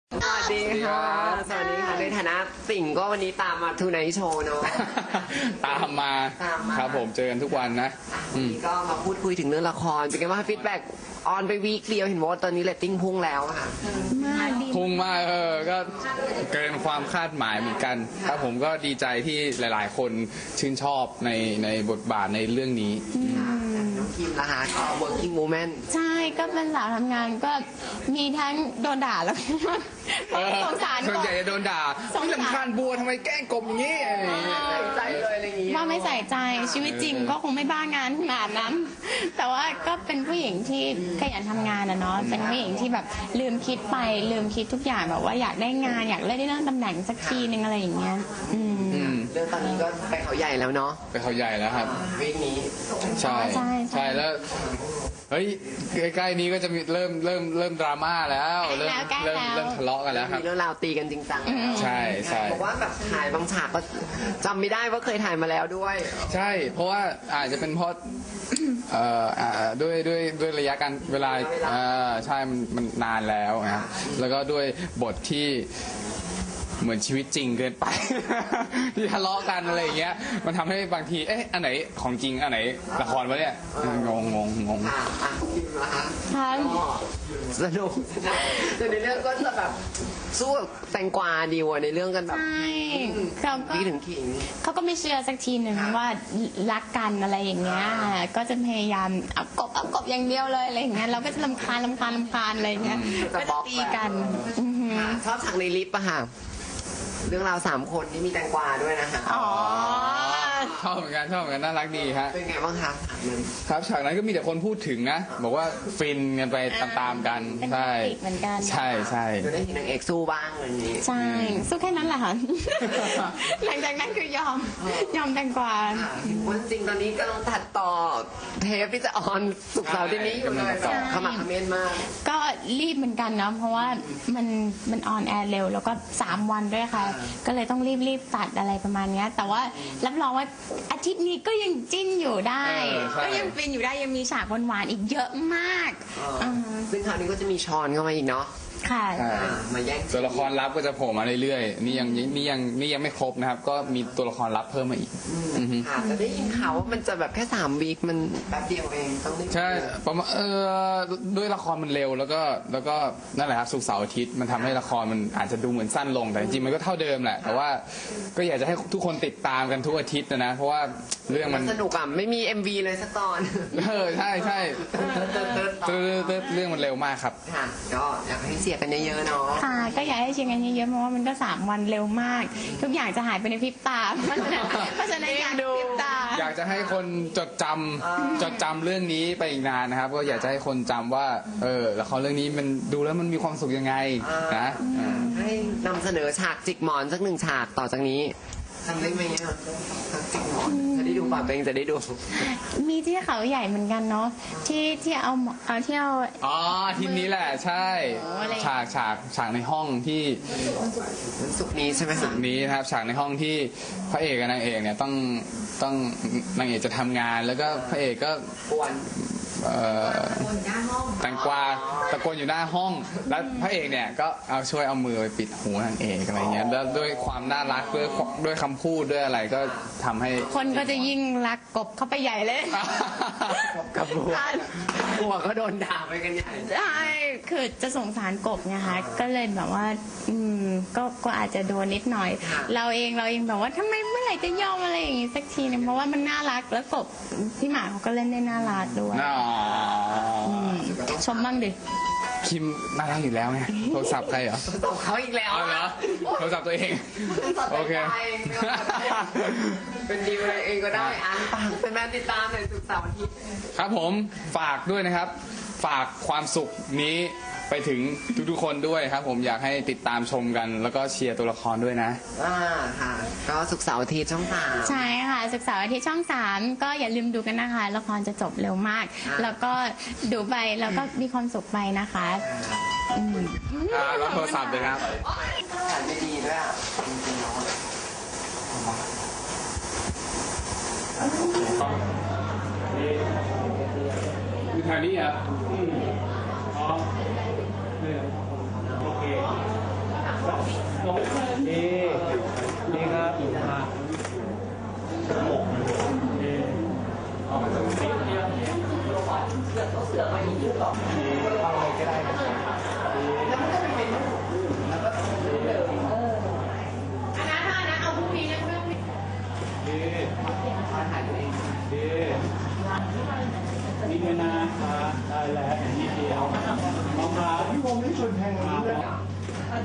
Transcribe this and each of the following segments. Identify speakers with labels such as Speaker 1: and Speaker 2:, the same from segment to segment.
Speaker 1: สวัสดีค่ะสวัสดีค่ะในฐานะสิ่งก็วันนี้ตามมาทูไนท์โชว์เนาะ
Speaker 2: ตามมาครับผมเจอกันทุกวันนะ
Speaker 1: วันนี้ก็มาพูดคุยถึงเรื่องละครเป็นไงบ้างฟีดแบ็กออนไปวีคเดียวเห็นว่าตอนนี้เรตติ้งพุ่งแล้วค่ะ
Speaker 2: พุ่งมากก็เกินความคาดหมายเหมือนกันครับผมก็ดีใจที่หลายๆ คนชื่นชอบในบทบาทในเรื่องนี้
Speaker 1: น้องคิมนะคะก็ working woman
Speaker 3: ใช่ก็เป็นสาวทำงานก็มีทั้งโดนด่าแล้วก็สงสาร
Speaker 2: ส่วนใหญ่จะโดนด่าที่ลำคาญบัวทำไมแกล้งกบอย่างนี้อะไรอย่างเงี้ย
Speaker 1: ใจเลยอะไรอย่างงี้
Speaker 3: ว่าไม่ใส่ใจชีวิตจริงก็คงไม่บ้างานขนาดนั้น แต่ว่าก็เป็นผู้หญิงที่ขยันทำงานนะเนาะเป็นผู้หญิงที่แบบลืมคิดทุกอย่างแบบว่าอยากได้งานอยากได้นั่งตำแหน่งสักทีนึงอะไรอย่างเงี้ย
Speaker 1: เรื่องตอนนี้ก็ไปเขาใหญ่แล้วเนาะ
Speaker 2: ไปเขาใหญ่แล้วครับ
Speaker 1: วีคนี้
Speaker 2: ใช่แล้วเฮ้ยใกล้ๆนี้ก็จะมีเริ่มดราม่าแล้วเริ่มทะเลาะกันแล้วครับ
Speaker 1: มีเรื่องราวตีกันจริงจัง
Speaker 2: ใช่
Speaker 1: บอกว่าแบบถ่ายบางฉากก็จำไม่ได้ว่าเคยถ่ายมาแล้วด้วย
Speaker 2: ใช่เพราะว่าอาจจะเป็นเพราะด้วยระยะการเวลาใช่มันนานแล้วนะครับแล้วก็ด้วยบทที่เหมือนชีวิตจริงเกินไป ที่ทะเลาะกันอะไรอย่างเงี้ยมันทำให้บางทีอันไหนของจริงอันไหนละครวะเนี่ยงง
Speaker 1: ค่ะสนุกแต่ในเรื่องก็จะแบบสู้แตงกวาดีวในเรื่องกันแบบ
Speaker 3: ใช่
Speaker 1: พี่ถึงขิง
Speaker 3: เขาก็ไม่เชื่อสักทีหนึ่งว่ารักกันอะไรอย่างเงี้ยก็จะพยายามเอากบอย่างเดียวเลยอะไรอย่างเงี้ยเราก็จะรำคาญอะไรอย่างเงี้ยก็จะตีกัน
Speaker 1: ชอบฉากในลิฟต์อะค่ะเรื่องราว3 คนที่มีแตงกวาด้วยนะคะ
Speaker 2: ชอบเหมือนกันน่ารักดีฮะ
Speaker 1: เป็นไงบ้างคะฉากนั้น
Speaker 2: ครับฉากนั้นก็มีแต่คนพูดถึงนะบอกว่าฟินกันไปตามๆกัน
Speaker 3: ใช่เหมือนกัน
Speaker 2: ใช่
Speaker 1: จะได้เห็นนางเอกสู้บ้างอะไรอย่างนี้
Speaker 3: ใช่สู้แค่นั้นแหละค่ะหลังจากนั้นคือยอมแตงกวา
Speaker 1: วันจริงตอนนี้กำลังตัดต่อเทปที่จะออนศุกร์เสาร์ที่นี้อยู่เลยขมักเขม้นมาก
Speaker 3: ก็รีบเหมือนกันเนาะเพราะว่ามันออนแอร์เร็วแล้วก็3 วันด้วยค่ะก็เลยต้องรีบตัดอะไรประมาณนี้แต่ว่ารับรองว่าอาทิตย์นี้ก็ยังจิ้นอยู่ได้ก็ยังฟินอยู่ได้ยังมีฉากหวานๆอีกเยอะมาก
Speaker 1: ซึ่งคราวนี้ก็จะมีชอนเข้ามาอีกเนาะ
Speaker 3: ค่ะ
Speaker 1: มาแย่ง
Speaker 2: ตัวละครลับก็จะโผล่มาเรื่อยๆนี่ยังไม่ครบนะครับก็มีตัวละครลับเพิ่มมาอีก
Speaker 1: ค่ะจะได้ยินข่าวว่ามันจะแบบแค่3 วีคมันแป๊บเดียวเองต้องได้
Speaker 2: ใช่ประมาณด้วยละครมันเร็วแล้วก็นั่นแหละครับศุกร์เสาร์อาทิตย์มันทำให้ละครมันอาจจะดูเหมือนสั้นลงแต่จริงๆมันก็เท่าเดิมแหละแต่ว่าก็อยากจะให้ทุกคนติดตามกันทุกอาทิตย์นะเพราะว่าเรื่องมัน
Speaker 1: สนุกอ่ะไม่มี MV เลยสักตอน
Speaker 2: ใช่เรื่องมันเร็วมากครับ
Speaker 1: ค่ะก็อยากให้เชียร์กันเยอะๆเนาะ
Speaker 3: ค่ะก็อยากให้เชียร์กันเยอะๆเพราะว่ามันก็3 วันเร็วมากทุกอย่างจะหายไปในพริบตาเพราะฉะนั้นอยากดู
Speaker 2: อยากจะให้คนจดจำเรื่องนี้ไปอีกนานนะครับก็อยากจะให้คนจำว่าละครเรื่องนี้มันดูแล้วมันมีความสุขยังไงนะ
Speaker 1: ให้นำเสนอฉากจิกหมอนสัก1 ฉากต่อจากนี้ทำได้ไหมอ่ะจิกหมอนจะได้ดูป่ะเองจะได้ดู
Speaker 3: มีที่เขาใหญ่เหมือนกันเนาะที่เอา
Speaker 2: ทีนี้แหละใช่ฉากในห้องที่
Speaker 1: ศุกร์นี้ใช่ไหม
Speaker 2: ศุกร์นี้นะครับฉากในห้องที่พระเอกกับนางเอกเนี่ยต้องนางเอกจะทำงานแล้วก็พระเอกก็แตงกวาตะโกนอยู่หน้าห้องแล้วพระเอกเนี่ยก็ช่วยเอามือไปปิดหูนางเอกอะไรเงี้ยแล้วด้วยความน่ารักด้วยคำพูดด้วยอะไรก็ทำให้
Speaker 3: คนก็จะยิ่งรักกบเข้าไปใหญ่เลย
Speaker 1: กับบัวก็โดนด่าไปกันใหญ่
Speaker 3: ใช่คือจะสงสารกบไงคะก็เลยแบบว่าก็อาจจะโดนนิดหน่อยเราเองแบบว่าทำไมเมื่อไหร่จะยอมอะไรอย่างงี้สักทีนึงเพราะว่ามันน่ารักแล้วกบพี่หมาเขาก็เล่นได้น่ารักด้วยชมบ้างดิ
Speaker 2: คิมน่ารักอยู่แล้วไงโทรศัพท์ใครเหรอ
Speaker 1: ตบเขาอีกแล้ว
Speaker 2: เหรอโทรศัพท์ตัวเองโอเค
Speaker 1: เป็นดีอะไรเองก็ได้อ่านฟังเป็นแม่ติดตามในศุกร์เสาร์อาทิตย์
Speaker 2: ครับผมฝากด้วยนะครับฝากความสุขนี้ไปถึงทุกๆคนด้วยครับผมอยากให้ติดตามชมกันแล้วก็เชียร์ตัวละครด้วยนะ
Speaker 1: ค่ะก็ศุกร์เสาร์อาทิตย์ช่อง3
Speaker 3: ใช่ค่ะศุกร์เสาร์อาทิตย์ช่อง3ก็อย่าลืมดูกันนะคะละครจะจบเร็วมากแล้วก็ดูไปแล้วก็มีความสุขไปนะคะ
Speaker 2: รับโทรศัพท์เลยครับ
Speaker 1: ถ่ายไม่ดีด้วยจริงๆ
Speaker 2: คือทางนี้อ่ะโอเค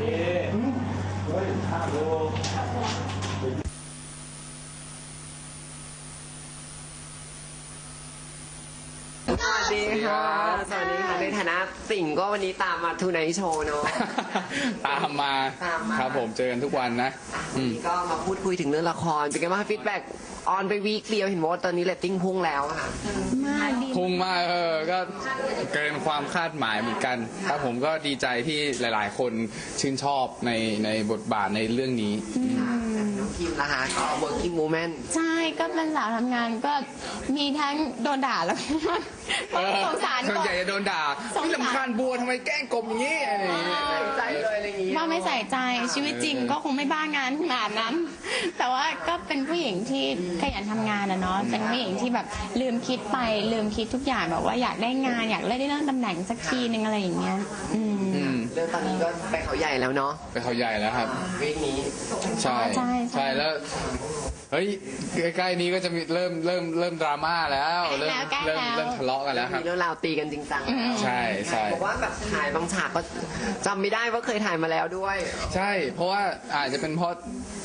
Speaker 1: สวัสดีค่ะ สวัสดีค่ะ ในฐานะสิงห์ก็วันนี้ตามมาทูไนท์โชว์เนาะ
Speaker 2: ตามมาครับผมเจอกันทุกวันนะ
Speaker 1: วันนี้ก็มาพูดคุยถึงเรื่องละครเป็นไงบ้างฟีดแบ็กออนไปวีคเดียวเห็นว่าตอนนี้เรตติ้งพุ่งแล้วค่ะ
Speaker 3: มากดี
Speaker 2: พุ่งมากก็เกินความคาดหมายเหมือนกันครับผมก็ดีใจที่หลายๆ คนชื่นชอบในบทบาทในเรื่องนี้
Speaker 1: น้องคิมนะคะก็ working woman
Speaker 3: ใช่ก็เป็นสาวทำงานก็มีทั้งโดนด่าแล้วก็สงสาร
Speaker 2: ส่วน
Speaker 3: ก่อ
Speaker 2: ใหญ่
Speaker 3: น
Speaker 2: จะโดนด่า
Speaker 3: สงสาร
Speaker 2: ไม่ลำคาญบัวทำไมแกล้งกบอย่างนี้อะไรอย่างเงี้ย
Speaker 1: ใส่ใจเลยอะไรอย่างงี้
Speaker 3: ว่าไม่ใส่ใจชีวิตจริงก็คงไม่บ้างานขนาดนั้น แต่ว่าก็เป็นผู้หญิงที่ขยันทำงานนะเนาะเป็นผู้หญิงที่แบบลืมคิดไปลืมคิดทุกอย่างแบบว่าอยากได้งานอยากได้เรื่องตำแหน่งสักทีนึงอะไรอย่างเงี้ย
Speaker 1: เรื่องตอนนี้ก็ไปเขาใหญ่แล้วเนาะ
Speaker 2: ไปเขาใหญ่แล้วครับ
Speaker 1: วีคนี้
Speaker 2: ใช่ใช่แล้วเฮ้ยใกล้ๆนี้ก็จะมีเริ่มดราม่าแล้วเริ่มทะเลาะกันแล้วครับ
Speaker 1: มีเรื่องราวตีกันจริงจังแล้ว
Speaker 2: ใช่ใช่
Speaker 1: บอกว่าแบบถ่ายบางฉากก็จำไม่ได้ว่าเคยถ่ายมาแล้วด้วย
Speaker 2: ใช่เพราะว่าอาจจะเป็นเพราะ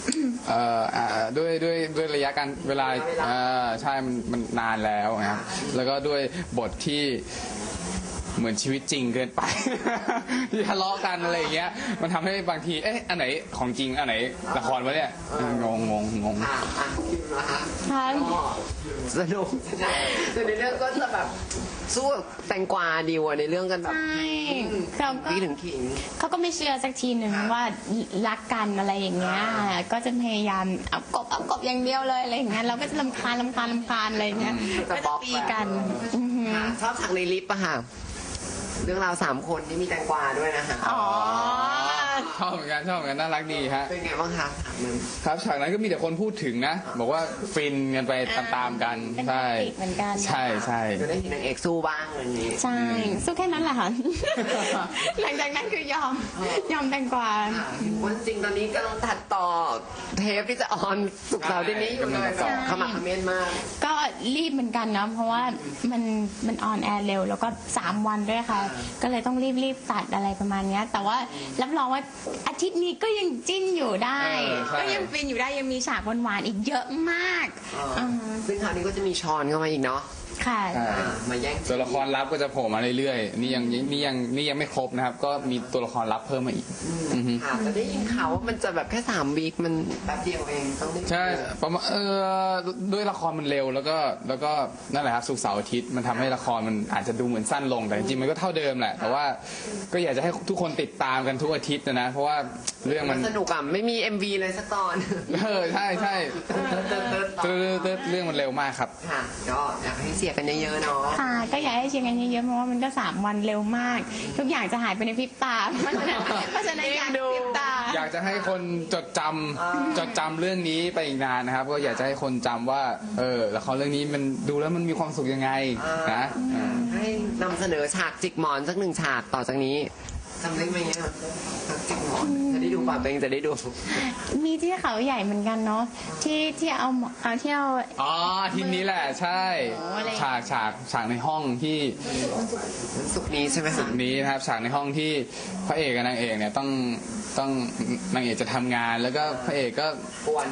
Speaker 2: ด้วยระยะการเวลาใช่มันนานแล้วนะครับแล้วก็ด้วยบทที่เหมือนชีวิตจริงเกินไป ที่ทะเลาะกันอะไรอย่างเงี้ยมันทำให้บางทีเอ๊ะอันไหนของจริงอันไหนละครวะเนี่ยงง
Speaker 1: ค่ะอ่ะคิมนะคะ
Speaker 3: ค่ะ
Speaker 1: ก็สนุกแต่ในเรื่องก็จะแบบสู้แตงกวาดีวะในเรื่องกันแบบ
Speaker 3: ใช่เราก็
Speaker 1: พี่ถึงขิง
Speaker 3: เขาก็ไม่เชื่อสักทีหนึ่งว่ารักกันอะไรอย่างเงี้ยก็จะพยายามเอากบอย่างเดียวเลยอะไรอย่างเงี้ยเราก็จะรำคาญอะไรอย่างเงี้ยก็จะตีกันอือหือ
Speaker 1: ชอบฉากในลิฟต์อะค่ะ เรื่องราว3 คนที่มีแตงกวาด้วยนะคะ
Speaker 3: อ๋อ
Speaker 2: ชอบเหมือนกันน่ารักดีฮะ
Speaker 1: เป็นไงบ้างคะฉากนั้น
Speaker 2: ครับฉากนั้นก็มีแต่คนพูดถึงนะ บอกว่าฟินกันไปตามๆกัน
Speaker 3: เป็น
Speaker 2: ใช่
Speaker 3: เอกเหมือนกัน
Speaker 2: ใช่
Speaker 1: จะได้เห็นนางเอกสู้บ้างอะไรอย่างนี้
Speaker 3: ใช่สู้แค่นั้นแหละค่ะ หลังจากนั้นคือยอมแตงกวา
Speaker 1: วันจริงตอนนี้กำลังตัดต่อเทปที่จะออนสุกร์เสาร์ที่นี้อยู่เลยแบบขมักเขม้นมาก
Speaker 3: ก็รีบเหมือนกันนะเพราะว่ามันออนแอร์เร็วแล้วก็3 วันด้วยค่ะ ก็เลยต้องรีบตัดอะไรประมาณเนี้ยแต่ว่ารับรองว่าอาทิตย์นี้ก็ยังจิ้นอยู่ได้ ก็ยังฟินอยู่ได้ยังมีฉากหวานๆอีกเยอะมากา
Speaker 1: ซึ่งคราวนี้ก็จะมีชอนเข้ามาอีกเนาะ
Speaker 3: ค่ะ
Speaker 2: ใช่
Speaker 1: มาแย่ง
Speaker 2: ตัวละครลับก็จะโผล่มาเรื่อยๆนี่ยังไม่ครบนะครับ ก็มีตัวละครลับเพิ่มมาอีกอือฮึ
Speaker 1: ค่ะแต่ได้ยินข่าวว่ามันจะแบบแค่3 วีคมันแป๊บเดียวเองต้องได้
Speaker 2: ใช่ประมาณด้วยละครมันเร็วแล้วก็นั่นแหละครับศุกร์เสาร์อาทิตย์มันทำให้ละครมันอาจจะดูเหมือนสั้นลงแต่จริงๆมันก็เท่าเดิมแหละแต่ว่าก็อยากจะให้ทุกคนติดตามกันทุกอาทิตย์นะเพราะว่าเรื่องมัน
Speaker 1: สนุกอ่ะไม่มี MV เลยสักตอน
Speaker 2: ใช่เรื่องมันเร็วมากครับ
Speaker 1: ค่ะก็อยากให้เสียกันเยอะๆเนาะ
Speaker 3: ค่ะก็อยากให้เชียร์กันเยอะๆเพราะว่ามันก็3 วันเร็วมาก ทุกอย่างจะหายไปในพริบตาเพราะฉะนั้นอยากพริบตา
Speaker 2: อยากจะให้คนจดจำเรื่องนี้ไปอีกนานนะครับ ก็อยากจะให้คนจำว่าละครเรื่องนี้มันดูแล้วมันมีความสุขยังไงนะ
Speaker 1: ให้นำเสนอฉากจิกหมอนสัก1 ฉากต่อจากนี้จำได้ไหมเนี่ยฉากจิกหมอนจะได้ดูป่ะเองจะได้ดู
Speaker 3: มีที่เขาใหญ่เหมือนกันเนาะที่เอาที่เอา
Speaker 2: อ๋อทีนี้แหละใช่
Speaker 3: โอ้อะไร
Speaker 2: ฉากในห้องที่
Speaker 1: สุกร์นี้ใช่ไหมคะ
Speaker 2: นี้นะครับฉากในห้องที่พระเอกกับนางเอกเนี่ยต้องนางเอกจะทำงานแล้วก็พระเอกก็
Speaker 1: กวน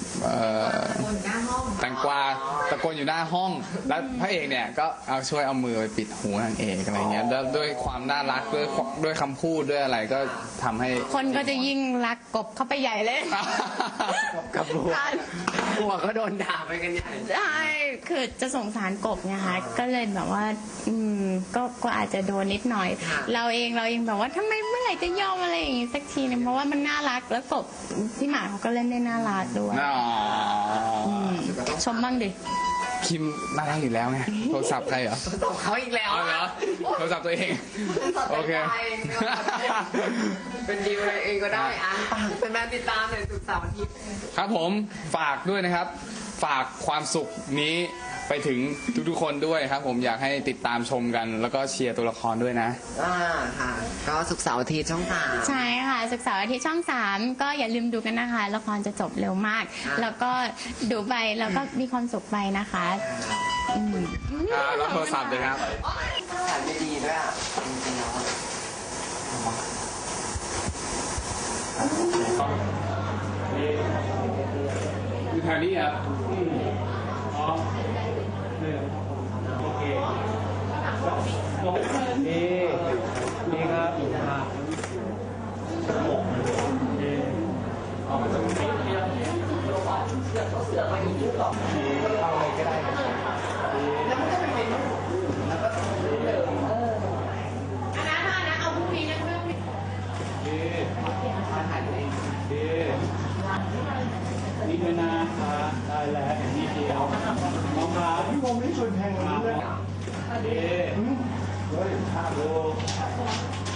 Speaker 2: แตงกวาตะโกนอยู่หน้าห้อง แล้วพระเอกเนี่ยก็ช่วยเอามือไปปิดหูนางเอกอะไรเงี้ยแล้วด้วยความน่ารักด้วยคำพูดด้วยอะไรก็ทำให้
Speaker 3: คนก็จะยิ่งรักกบเข้าไปใหญ่เลย
Speaker 1: กับบัวบัวก็โดนด่าไปกันใหญ่
Speaker 3: ใช่คือจะสงสารกบไงคะก็เลยแบบว่าก็อาจจะโดนนิดหน่อย เราเองแบบว่าทำไมเมื่อไหร่จะยอมอะไรอย่างงี้สักทีนึงเพราะว่ามันน่ารักแล้วกบพี่หมาเขาก็เล่นได้น่ารักด้วย
Speaker 2: อ๋อ
Speaker 3: ชมบ้างดิ
Speaker 2: คิมน่ารักอยู่แล้วไงโทรศัพท์ใครเหรอ
Speaker 1: ตบเขาอีกแล้ว
Speaker 2: เอาเหรอโทรศัพท์ตัวเอง โอเค
Speaker 1: เป็นดีลเลยเองก็ได้อ่ะฝากเป็นแม่ติดตามเลยศุกร์เสาร์อาทิตย์
Speaker 2: ครับผมฝากด้วยนะครับ ฝากความสุขนี้ไปถึงทุกๆคนด้วยครับ ผมอยากให้ติดตามชมกัน แล้วก็เชียร์ตัวละครด้วยนะ
Speaker 1: ค่ะก็ศุกร์เสาร์อาทิตย์ช่อง 3
Speaker 3: ใช่ค่ะศึกษาร์อาทิตย์ช่อง 3 ก็อย่าลืมดูกันนะคะละครจะจบเร็วมาก แล้วก็ดูไปแล้วก็มีความสุขไปนะคะ
Speaker 2: รับโทรศัพท์เลยครับ
Speaker 1: ถ่ายไม่ดีด้วยอ่ะจริงๆแล้ว
Speaker 2: อยู่แถวนี้ครับอ๋อโอเคนี่ครับเอาอะไรก็ได้แล้วมันก็เป็นเมนูแล้วก็
Speaker 3: อันนั้นเอาพรุ่งนี้นะเพื่อน
Speaker 2: นี่ด้วยนะคะได้แล้วอย่างนี้เดียวน้องครับพี่วงไม่ชวนแทงเลยเฮ้ยภาพดู